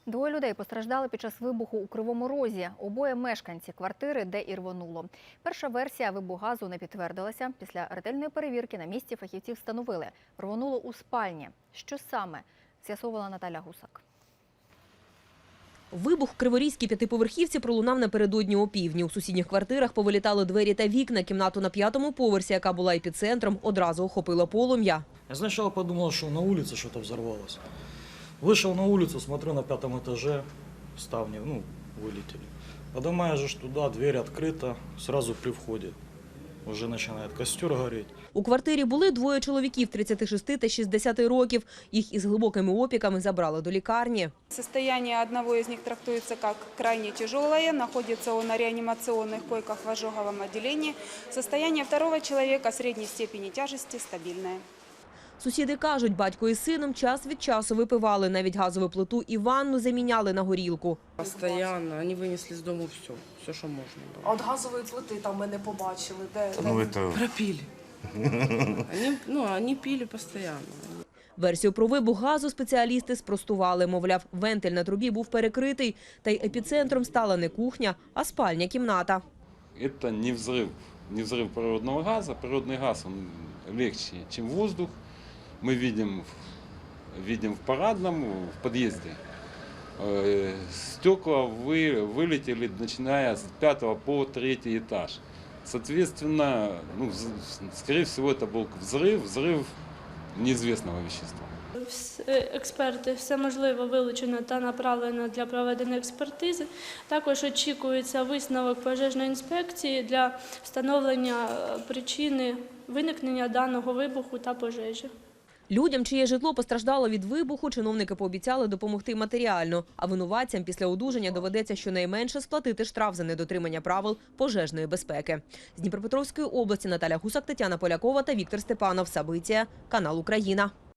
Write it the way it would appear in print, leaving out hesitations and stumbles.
Двоє людей постраждали під час вибуху у Кривому Розі. Обоє мешканці квартири, де і рвонуло. Перша версія вибуху газу не підтвердилася. Після ретельної перевірки на місці фахівці встановили – рвонуло у спальні. Що саме? З'ясовувала Наталя Гусак. Вибух в Криворізькій п'ятиповерхівці пролунав напередодні опівдні. У сусідніх квартирах повилітали двері та вікна. Кімнату на 5-му поверсі, яка була епіцентром, одразу охопило полум'я. Я сначала подумал, что на улице что-то взорвалось. Вышел на улицу, смотрю, на 5-м этаже ставни, вылетели. Поднимаешь туда, дверь открыта, сразу при входе. Уже начинает костер гореть. У квартирі були двоє чоловіків – 36 та 60 років. Їх із глибокими опіками забрали до лікарні. Состояние одного из них трактуется как крайне тяжелое. Находится он на реанимационных койках в ожоговом отделении. Состояние второго человека средней степени тяжести стабильное. Сусіди кажуть, батько із сином час від часу випивали. Навіть газову плиту і ванну заміняли на горілку. Постоянно. Вони винесли з дому все, що можна було. А от газової плити там ми не побачили. Де? Пропили. Вони пили постійно. Версію про вибух газу спеціалісти спростували. Мовляв, вентиль на трубі був перекритий. Та й епіцентром стала не кухня, а спальня кімната. Это не взрыв природного газа. Природный газ он легче, чем воздух. Мы видим в парадном, в подъезде. Стекла вылетели, начиная с 5 по 3 этаж. Соответственно, скорее всего, это был взрыв неизвестного вещества. Експерти все можливе вилучено та направлено для проведення експертизи. Також очікується висновок пожежної інспекції для встановлення причини виникнення даного вибуху та пожежі. Людям, чиє житло постраждало від вибуху, чиновники пообіцяли допомогти матеріально. А винуватцям після одужання доведеться щонайменше сплатити штраф за недотримання правил пожежної безпеки. З Дніпропетровської області Наталя Гусак, Тетяна Полякова та Віктор Степанов. Сабиття. Канал Україна.